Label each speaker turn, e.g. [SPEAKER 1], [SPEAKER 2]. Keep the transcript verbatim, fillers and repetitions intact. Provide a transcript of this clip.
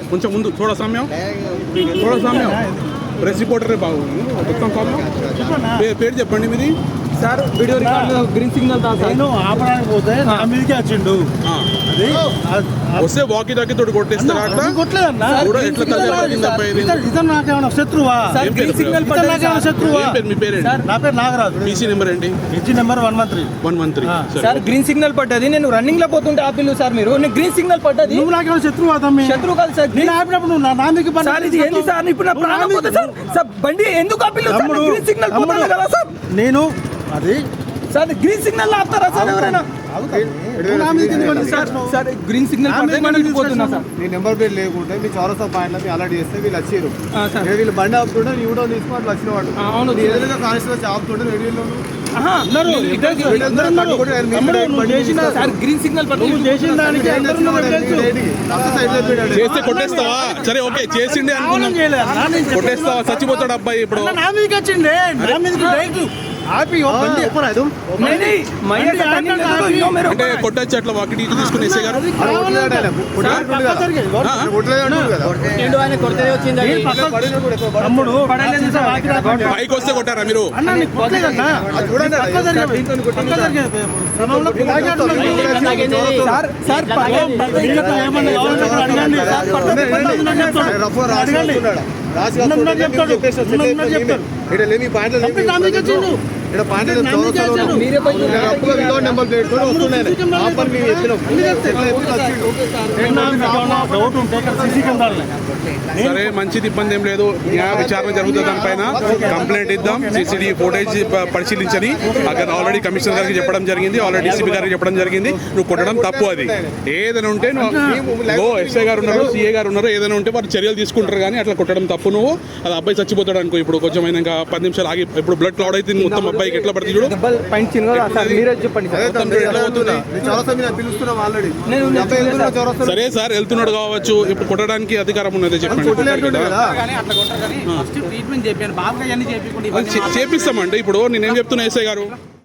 [SPEAKER 1] కొంచెం ముందు थोड़ा सामने थोड़ा सामने ప్రెస్ రిపోర్టరే బాగుంది మొత్తం కాదు పేరు చెప్పండి మీది
[SPEAKER 2] sir video record green signal దా సార్
[SPEAKER 3] నేను ఆపడానికి పోతే నా మీదకి వచ్చిండు అది
[SPEAKER 1] వస్తే వాకి టాకి తోటి కొట్టేస్తారా అట్లా
[SPEAKER 3] కొట్టలేదన్నా
[SPEAKER 1] కూడా ఎట్లా తగ్గ
[SPEAKER 3] ఇతను నాకేమైనా శత్రువా
[SPEAKER 2] సార్ గ్రీన్ సిగ్నల్
[SPEAKER 3] ఇతను నాకేమైనా శత్రువా
[SPEAKER 1] ఏం పేరు మీ పేరేంటి
[SPEAKER 3] నా పేరు నాగరాజు
[SPEAKER 1] పీసీ నెంబర్ ఏంటి
[SPEAKER 3] H number one one three
[SPEAKER 1] one one three
[SPEAKER 2] sir green signal పడ్డది నేను రన్నింగ్ లో పోతుంటే ఆపిల్లు సార్ మీరు నేను గ్రీన్ సిగ్నల్ పడ్డది
[SPEAKER 3] నువ్వు నాకేమైనా శత్రువా తమ్మి
[SPEAKER 2] శత్రువు కాదు సార్
[SPEAKER 3] నేను ఆపినప్పుడు నువ్వు నా మీదకి పని
[SPEAKER 2] సార్ ఇది ఏంది సార్ ఇప్పుడు నా ప్రాణం పోతే సార్ సార్ బండి ఎందుకు ఆపిల్లు సార్
[SPEAKER 3] తమ్ముడు,
[SPEAKER 2] గ్రీన్ సిగ్నల్ పోతుంది కదా సార్
[SPEAKER 3] నేను అది
[SPEAKER 2] సార్ గ్రీన్ సిగ్నల్ ఆపుతారా సార్ ఎవరైనా
[SPEAKER 3] నా మీదకి ఎందుకు పని
[SPEAKER 2] సార్ సార్ గ్రీన్ సిగ్నల్ పడితే నేను పోతున్నా సార్
[SPEAKER 4] నీ నెంబర్ ప్లేట్ లేకుంటే మీ చౌరస్తా పాయింట్లో మీ అలర్ట్ చేస్తే వీళ్ళు వచ్చారు
[SPEAKER 2] ఆ, సార్.
[SPEAKER 4] నేను వీళ్ళు బండి ఆపుతుంటే నీ కూడా తీసుకుని అట్లా వచ్చిన వాడు
[SPEAKER 2] ఆ, అవును.
[SPEAKER 4] నీ ఎదురుగా కానిస్టేబుల్ ఆపుతుంటే రేడియోలో
[SPEAKER 2] ఆహా,
[SPEAKER 3] అందరూ
[SPEAKER 2] నేను
[SPEAKER 3] ఇద్దరు
[SPEAKER 2] ఇద్దరు-
[SPEAKER 3] అందరూ ఉన్నారు. తమ్ముడు, నువ్వు చేసిన
[SPEAKER 2] సార్ గ్రీన్ సిగ్నల్ పడ్డది
[SPEAKER 3] నువ్వు చేసిన దానికి అందరూ ఉన్నారు తెలుసు.
[SPEAKER 1] చేస్తే కొట్టేస్తావా సరే ఓకే చేసిండే
[SPEAKER 3] కావాలని
[SPEAKER 1] అనుకున్నాం
[SPEAKER 3] చేయలేదు. నా నేను చెప్పేది
[SPEAKER 1] కొట్టేస్తావా చచ్చిపోతాడు అబ్బాయి ఇప్పుడు
[SPEAKER 3] అన్న, నా మీదకి వచ్చిండే నా మీదకి డైరెక్ట్ ఆపి ఓ బండి
[SPEAKER 2] नहीं नहीं मैं ये टर्निंग ले तो यो मेरे
[SPEAKER 1] అంటే కొట్టచ్చు అట్లా వాకి టీచర్ తీసుకుని ఎస్ఐ గారు
[SPEAKER 2] ఏండు ఆయన కొడితే వచ్చింది
[SPEAKER 3] నేను పక్క- తమ్ముడు పడలేదు సార్, ఆకి రాకండి.
[SPEAKER 1] పైకి వస్తే కొట్టారా మీరు
[SPEAKER 3] అన్న నీకు కొట్టలేదన్నా.
[SPEAKER 4] చూడండి.
[SPEAKER 3] పక్క జరిగేవి. పక్క జరిగేవి. క్రమంలో పిల్లలకి అట్లా
[SPEAKER 2] సార్ సార్
[SPEAKER 3] వీళ్ళతో ఏమన్నా కావాలంటే ఇక్కడ అడగండి. సార్ పక్క పక్కన చెప్తాడు. అడగండి. ఉన్నది చెప్తాడు. ఉన్నది చెప్తాడు.
[SPEAKER 4] ఇక్కడ లేని పాయింట్లు
[SPEAKER 3] తప్పి నా మీదకి వచ్చిండు.
[SPEAKER 4] ఇక్కడ పాయింట్లు
[SPEAKER 3] నా మీదకి వచ్చాడు.
[SPEAKER 2] మీరే పోయి
[SPEAKER 4] అప్పుగా వితౌట్ నెంబర్ ప్లేట్ కూడా వస్తున్నాయి ఆపని మేము ఎత్తినాం
[SPEAKER 3] అన్ని చెప్తాయి.
[SPEAKER 4] ఎట్లా ఎత్తుకుని వచ్చిండు.
[SPEAKER 3] ఏమన్నా మీకు ఏమన్నా డౌట్ ఉంటే ఇక్కడ సీసీ కెమెరాలు
[SPEAKER 1] సరే మంచిది ఇబ్బంది ఏం లేదు న్యాయ విచారణ జరుగుతుంది దానిపైన కంప్లైంట్ ఇద్దాం సీసీటీవీ ఫోటేజ్ ప- పరిశీలించని అక్కడ ఆల్రెడీ కమిషనర్ గారికి చెప్పడం జరిగింది ఆల్రెడీ డీసీపీ గారికి చెప్పడం జరిగింది నువ్వు కొట్టడం తప్పు అది ఏదైనా ఉంటే నువ్వు ఎస్ఐ గారు ఉన్నారు సీఏ గారు ఉన్నారు ఏదైనా ఉంటే వారు చర్యలు తీసుకుంటారు కానీ అట్లా కొట్టడం తప్పు నువ్వు అది అబ్బాయి చచ్చిపోతాడు అనుకో ఇప్పుడు కొంచెం ఇంకా పది నిమిషాలు ఆగి ఇప్పుడు బ్లడ్ క్లౌడ్ అయితే మొత్తం అబ్బాయికి ఎట్లా పడుతుంది చూడు
[SPEAKER 2] డబల్ పాయింట్ చిన్న సార్ మీరే చెప్పండి
[SPEAKER 4] అదే
[SPEAKER 2] సార్
[SPEAKER 4] తమ్ముడు, ఎట్లా పోతున్నా? నేను చౌరస్తా మీద పిలుస్తున్నాం ఆల్రెడీ
[SPEAKER 2] నేను
[SPEAKER 4] అబ్బాయి వెళ్తున్నా చౌరస్తా
[SPEAKER 1] సరే సార్ వెళ్తున్నాడు కావచ్చు ఇప్పుడు కొట్టడానికి అధికారం ఉన్నది చెప్పండి
[SPEAKER 4] కొట్టలేడు కదా
[SPEAKER 1] అది చే- చేపిస్తామండి ఇప్పుడు నేనేం చెప్తున్నా ఎస్ఐ గారు